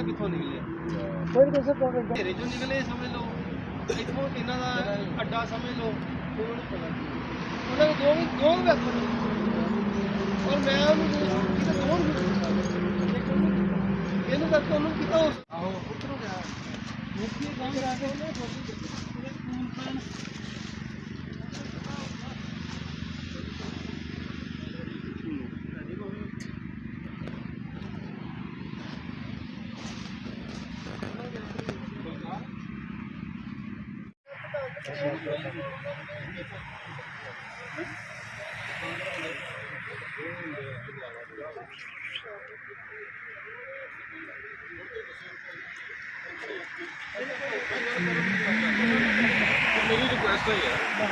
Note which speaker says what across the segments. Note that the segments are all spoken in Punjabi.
Speaker 1: कितों निकले घेरे चो निकले समझ लो इतों इन्हों का अड्डा समझ लो उन्होंने दो वैपन और मैं ਇਹਨੂੰ ਕਰਕੇ ਉਹਨੂੰ ਕੀਤਾ ਉਸ ਆਹੋ ਉੱਤਰੋਂ ਗਿਆ ਮੁੱਕੀ ਕੰਮ ਕਰਾ ਕੇ ਉਹਨੇ ਪੂਰੇ ਸਕੂਲ ਪੈਣ मेरी रिक्वेस्ट है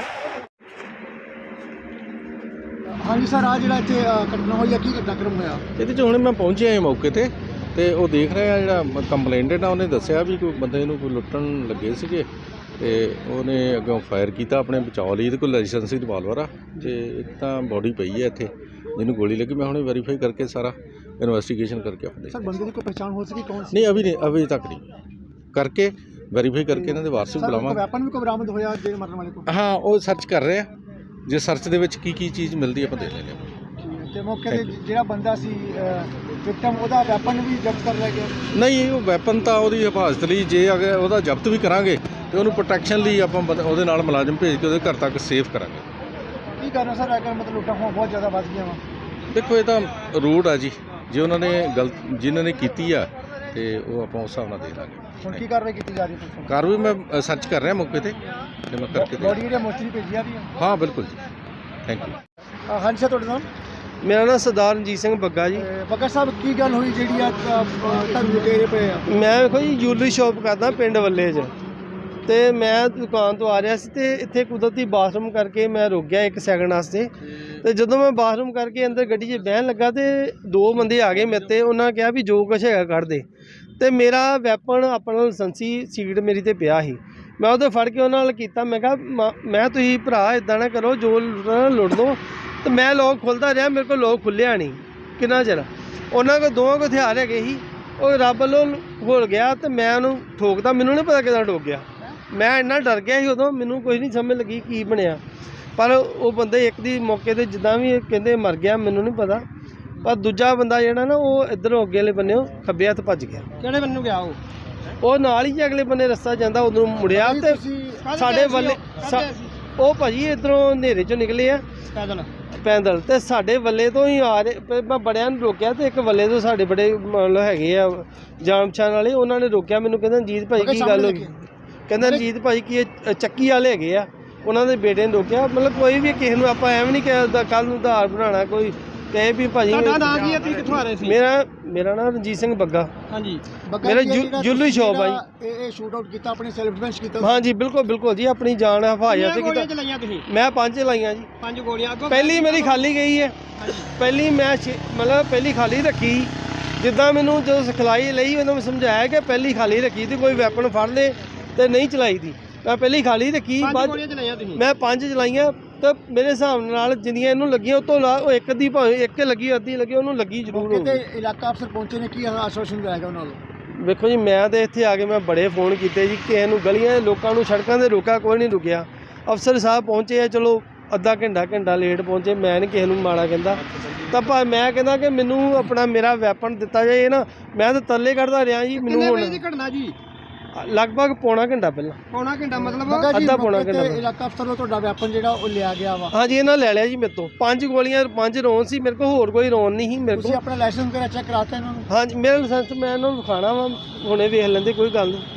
Speaker 2: हाँ जी सर आज जो इतने घटना हुई है की घटनाक्रम होया
Speaker 3: ਇਹਦੇ 'ਚ ਹੁਣ ਮੈਂ ਪਹੁੰਚਿਆ ਹਾਂ ਮੌਕੇ ਤੇ ਉਹ ਦੇਖ ਰਿਹਾ ਜਿਹੜਾ ਕੰਪਲੇਂਟਡ ਆ ਉਹਨੇ ਦੱਸਿਆ ਵੀ ਕੋਈ ਬੰਦੇ ਨੂੰ ਕੋਈ ਲੁੱਟਣ ਲੱਗੇ ਸੀਗੇ ਤੇ ਉਹਨੇ ਅੱਗੋਂ ਫਾਇਰ ਕੀਤਾ ਆਪਣੇ ਬਚਾਅ ਲਈ। ਇਹਦੇ ਕੋਲ ਲਾਇਸੈਂਸੀ ਰਿਵਾਲਵਰ ਆ ਤੇ ਇੱਕ ਤਾਂ ਬੋਡੀ ਪਈ ਹੈ ਇੱਥੇ ਜਿਹਨੂੰ ਗੋਲੀ ਲੱਗੀ। मैं ਹੁਣੇ ਵੈਰੀਫਾਈ ਕਰਕੇ ਸਾਰਾ इन्वेस्टिगेशन करके अपने
Speaker 2: सर बंदे की पहचान हो सकी कौन सी?
Speaker 3: नहीं अभी तक नहीं करके वेरीफाई करके इन्होंने वारस बुलावांगे।
Speaker 2: वैपन भी कोई बरामद होया जे मरने वाले को?
Speaker 3: हाँ वो सर्च कर रहे हैं जे सर्च दे विच की चीज़ मिलती है अपन दे लेंगे।
Speaker 2: ते मौके ते जेड़ा बंदा सी विक्टिम ओदा वैपन भी जब्त कर लिया गया?
Speaker 3: नहीं वो वैपन तो ਉਹਦੀ हिफाजत ਲਈ ਜੇ अगर ਉਹਦਾ ਜ਼ਬਤ ਵੀ ਕਰਾਂਗੇ ਤੇ ਉਹਨੂੰ ਪ੍ਰੋਟੈਕਸ਼ਨ ਲਈ ਆਪਾਂ ਉਹਦੇ ਨਾਲ ਮੁਲਾਜ਼ਮ ਭੇਜ ਕੇ ਉਹਦੇ ਘਰ ਤੱਕ ਸੇਫ ਕਰਾਂਗੇ।
Speaker 2: ਕੀ ਕਰਨਾ ਸਰ ਅਗਰ ਮਤਲਬ ਲੁੱਟਾਂ ਖੋਹਾਂ ਬਹੁਤ ਜ਼ਿਆਦਾ ਵੱਧ ਗਈਆਂ ਵਾ?
Speaker 3: ਦੇਖੋ ਇਹ ਤਾਂ ਰੂਟ ਆ ਜੀ ਜੇ ਉਹਨਾਂ ਨੇ ਗਲਤ ਜਿਨ੍ਹਾਂ ਨੇ ਕੀਤੀ ਆ ਤੇ ਉਹ ਆਪਾਂ ਉਸ ਹਿਸਾਬ ਨਾਲ ਦੇ ਦਾਂਗੇ।
Speaker 2: ਹੁਣ ਕੀ ਕਾਰਵਾਈ ਕੀਤੀ ਜਾ ਰਹੀ ਹੈ?
Speaker 3: ਕਾਰਵਾਈ ਮੈਂ ਸਰਚ ਕਰ ਰਿਹਾ ਮੌਕੇ ਤੇ ਮੈਂ ਕਰਕੇ
Speaker 2: ਬੋਡੀ ਜਿਹੜੀ ਮੋਸਟਲੀ ਭੇਜੀ ਜਾ ਰਹੀ ਹੈ?
Speaker 3: ਹਾਂ ਬਿਲਕੁਲ ਜੀ ਥੈਂਕ ਯੂ।
Speaker 2: ਹਾਂਜੀ ਸਰ ਤੁਹਾਡਾ ਨਾਮ?
Speaker 1: मेरा नाम सरदार रंजीत सिंह बग्गा जी।
Speaker 2: बग्गा साहब की गल हुई ਜਿਹੜੀ ਆ ਤੁਹਾਨੂੰ ਲੁਟੇਰੇ ਪਏ ਆ?
Speaker 1: मैं देखो जी जूलरी शॉप करदा पिंड वल्ले च ਤੇ ਮੈਂ ਦੁਕਾਨ ਤੋਂ ਆ ਰਿਹਾ ਸੀ ਤੇ ਇੱਥੇ ਕੁਦਰਤੀ ਬਾਥਰੂਮ ਕਰਕੇ ਮੈਂ ਰੁਕ ਗਿਆ 1 ਸੈਕਿੰਡ ਵਾਸਤੇ। ਤੇ ਜਦੋਂ ਮੈਂ ਬਾਥਰੂਮ ਕਰਕੇ ਅੰਦਰ ਗੱਡੀ 'ਚ ਬਹਿਣ ਲੱਗਾ ਤੇ 2 ਬੰਦੇ ਆ ਗਏ ਮੇਰੇ ਤੇ। ਉਹਨਾਂ ਕਿਹਾ ਵੀ ਜੋ ਕੁਛ ਹੈਗਾ ਕੱਢ ਦੇ ਤੇ ਮੇਰਾ ਵੈਪਨ ਆਪਣਾ ਲਾਇਸੈਂਸੀ ਸੀਟ ਮੇਰੀ ਤੇ ਪਿਆ ਸੀ। ਮੈਂ ਉਹਦੇ ਫੜ ਕੇ ਉਹਨਾਂ ਨਾਲ ਕੀਤਾ। ਮੈਂ ਕਿਹਾ ਮੈਂ ਤੁਸੀਂ ਭਰਾ ਇਦਾਂ ਨਾ ਕਰੋ ਜੋ ਲੁੱਟ ਲਓ। ਤੇ ਮੈਂ ਲੋਕ ਖੁੱਲ੍ਹਦਾ ਰਿਹਾ ਮੇਰੇ ਕੋਲ ਲੋਕ ਖੁੱਲ੍ਹਿਆ ਨਹੀਂ ਕਿੰਨਾ ਚਿਰ। ਉਹਨਾਂ ਕੋਲ ਦੋਵਾਂ ਕੋਲ ਹਥਿਆਰ ਹੈਗੇ ਸੀ। ਉਹ ਰੱਬ ਵੱਲੋਂ ਘੁਲ ਗਿਆ ਤੇ ਮੈਂ ਉਹਨੂੰ ਠੋਕਦਾ। ਮੈਨੂੰ ਨਹੀਂ ਪਤਾ ਕਿੱਦਾਂ ਠੋਕ ਗਿਆ। ਮੈਂ ਇੰਨਾ ਡਰ ਗਿਆ ਸੀ ਉਦੋਂ ਮੈਨੂੰ ਕੁਝ ਨਹੀਂ ਸਮਝ ਲੱਗੀ ਕੀ ਬਣਿਆ। ਪਰ ਉਹ ਬੰਦੇ ਇੱਕ ਦੀ ਮੌਕੇ 'ਤੇ ਜਿੱਦਾਂ ਵੀ ਕਹਿੰਦੇ ਮਰ ਗਿਆ ਮੈਨੂੰ ਨਹੀਂ ਪਤਾ। ਪਰ ਦੂਜਾ ਬੰਦਾ ਜਿਹੜਾ ਨਾ ਉਹ ਇੱਧਰੋਂ ਅੱਗੇ ਵਾਲੇ ਬੰਨਿਓ ਖੱਬੇ ਹੱਥ ਭੱਜ ਗਿਆ।
Speaker 2: ਕਿਹੜੇ ਬੰਨੇ ਨੂੰ ਗਿਆ
Speaker 1: ਉਹ ਨਾਲ ਹੀ ਅਗਲੇ ਬੰਨੇ ਰਸਤਾ ਜਾਂਦਾ ਉਧਰੋਂ ਮੁੜਿਆ ਤੇ ਸਾਡੇ ਵੱਲੇ ਉਹ ਭਾਜੀ ਇੱਧਰੋਂ ਹਨੇਰੇ 'ਚੋਂ ਨਿਕਲੇ ਆ ਪੈਦਲ ਤੇ ਸਾਡੇ ਵੱਲੇ ਤੋਂ ਹੀ ਆ ਰਹੇ। ਮੈਂ ਬੜਿਆਂ ਨੂੰ ਰੋਕਿਆ ਤੇ ਇੱਕ ਵੱਲੇ ਤੋਂ ਸਾਡੇ ਬੜੇ ਮਤਲਬ ਹੈਗੇ ਆ ਜਾਣ ਪਛਾਣ ਵਾਲੇ। ਉਹਨਾਂ ਨੇ ਰੋਕਿਆ ਮੈਨੂੰ ਕਹਿੰਦਾ ਰਣਜੀਤ ਭਾਈ ਕੀ ਗੱਲ ਹੋ ਗਈ? ਕਹਿੰਦਾ ਰਣਜੀਤ ਭਾਈ ਕੀ ਚੱਕੀ ਵਾਲੇ ਹੈਗੇ ਆ। ਉਹਨਾਂ ਦੇ ਬੇਟੇ ਨੇ ਰੋਕਿਆ। ਮਤਲਬ ਕੋਈ ਵੀ ਕਿਸੇ ਨੂੰ ਆਪਾਂ ਐਵੇਂ ਨਹੀਂ ਕਿ ਕੱਲ੍ਹ ਨੂੰ ਉਧਾਰ ਬਣਾਉਣਾ ਕੋਈ ਕਹੇ ਵੀ ਭਾਜੀ।
Speaker 2: ਤੁਹਾਡਾ ਨਾਮ ਕੀ ਹੈ? ਤੁਸੀਂ ਕਿੱਥੋਂ ਆ ਰਹੇ ਸੀ?
Speaker 1: ਮੇਰਾ ਨਾਮ ਰਣਜੀਤ ਸਿੰਘ ਬੱਗਾ।
Speaker 2: ਹਾਂਜੀ
Speaker 1: ਮੇਰਾ ਜੁਲਰੀ ਸ਼ੌਪ ਆ ਜੀ।
Speaker 2: ਇਹ ਸ਼ੂਟ ਆਊਟ ਕੀਤਾ ਆਪਣੇ ਸੈਲਫ ਡਿਫੈਂਸ ਕੀਤਾ?
Speaker 1: ਹਾਂਜੀ ਬਿਲਕੁਲ ਜੀ ਆਪਣੀ ਜਾਨ ਹਿਫਾਜ਼ਤ ਤੇ ਕੀਤਾ।
Speaker 2: ਚਲਾਈਆਂ ਤੁਸੀਂ?
Speaker 1: ਮੈਂ 5 ਚਲਾਈਆਂ ਜੀ।
Speaker 2: 5 ਗੋਲੀਆਂ ਅੱਗੋਂ? ਪਹਿਲੀ
Speaker 1: ਮੇਰੀ ਖਾਲੀ ਗਈ ਹੈ। ਪਹਿਲੀ ਮੈਂ ਮਤਲਬ ਪਹਿਲੀ ਖਾਲੀ ਰੱਖੀ। ਜਿੱਦਾਂ ਮੈਨੂੰ ਜਦੋਂ ਸਿਖਲਾਈ ਲਈ ਉਦੋਂ ਮੈਂ ਸਮਝਾਇਆ ਕਿ ਪਹਿਲੀ ਖਾਲੀ ਰੱਖੀ ਤੇ ਕੋਈ ਵੈਪਨ ਫੜ ਲੇ ਤੇ ਨਹੀਂ ਚਲਾਈ ਦੀ। ਮੈਂ ਪਹਿਲੀ ਖਾਲੀ ਰੱਖੀ। ਮੈਂ 5 ਚਲਾਈਆਂ ਤੇ ਮੇਰੇ ਹਿਸਾਬ ਨਾਲ ਜਿੰਨੀਆਂ ਇਹਨੂੰ ਲੱਗੀਆਂ ਉਹ ਤੋਂ ਉਹ ਇੱਕ ਦੀ ਭਾਵੇਂ ਇੱਕ ਲੱਗੀ ਅੱਧੀ ਲੱਗੀ ਉਹਨੂੰ ਲੱਗੀ ਜ਼ਰੂਰ ਹੋਊਗੀ।
Speaker 2: ਤੇ ਇਲਾਕਾ ਅਫਸਰ ਪਹੁੰਚੇ ਨੇ ਕੀ ਆਸ਼ਵਾਸਨ ਦਿਆਗਾ ਉਹਨਾਂ ਨੂੰ?
Speaker 1: ਵੇਖੋ ਜੀ ਮੈਂ ਤੇ ਇੱਥੇ ਆ ਕੇ ਮੈਂ ਬੜੇ ਫੋਨ ਕੀਤੇ ਜੀ ਕਿਸੇ ਨੂੰ ਗਲੀਆਂ ਲੋਕਾਂ ਨੂੰ ਸੜਕਾਂ 'ਤੇ ਰੋਕਿਆ ਕੋਈ ਨਹੀਂ ਰੁਕਿਆ। ਅਫਸਰ ਸਾਹਿਬ ਪਹੁੰਚੇ ਆ ਚਲੋ ਅੱਧਾ ਘੰਟਾ ਲੇਟ ਪਹੁੰਚੇ। ਮੈਂ ਨਹੀਂ ਕਿਸੇ ਨੂੰ ਮਾੜਾ ਕਹਿੰਦਾ ਤਾਂ ਮੈਂ ਕਹਿੰਦਾ ਕਿ ਮੈਨੂੰ ਆਪਣਾ ਮੇਰਾ ਵੈਪਨ ਦਿੱਤਾ ਜਾਏ ਨਾ। ਮੈਂ ਤਾਂ ਤਰਲੇ ਕੱਢਦਾ ਰਿਹਾ ਜੀ। ਮੈਨੂੰ ਹੁਣ
Speaker 2: ਘਟਨਾ ਜੀ
Speaker 1: ਲਗਭਗ ਪੌਣਾ ਘੰਟਾ ਪਹਿਲਾਂ।
Speaker 2: ਪੌਣਾ ਘੰਟਾ ਮਤਲਬ
Speaker 1: ਅੱਧਾ ਪੌਣਾ ਘੰਟਾ
Speaker 2: ਇਲਾਕਾ ਅਫਸਰ ਨੂੰ ਤੁਹਾਡਾ ਵੈਪਨ ਜਿਹੜਾ ਉਹ ਲਿਆ ਗਿਆ ਵਾ?
Speaker 1: ਹਾਂਜੀ ਇਹਨਾਂ ਲੈ ਲਿਆ ਜੀ ਮੇਰੇ ਤੋਂ 5 ਗੋਲੀਆਂ 5 ਰੌਨ ਸੀ ਮੇਰੇ ਕੋਲ। ਹੋਰ ਕੋਈ ਰੌਨ ਨਹੀਂ ਸੀ ਮੇਰੇ ਕੋਲ।
Speaker 2: ਤੁਸੀਂ ਆਪਣਾ ਲਾਇਸੈਂਸ ਵਗੈਰਾ ਚੈੱਕ ਕਰਾਤਾ ਇਹਨਾਂ ਨੂੰ?
Speaker 1: ਹਾਂਜੀ ਮੇਰਾ ਲਾਇਸੈਂਸ ਮੈਂ ਇਹਨਾਂ ਨੂੰ ਵਿਖਾਣਾ ਵਾ ਹੁਣੇ ਵੇਖ ਲੈਂਦੇ ਕੋਈ ਗੱਲ ਨਹੀਂ।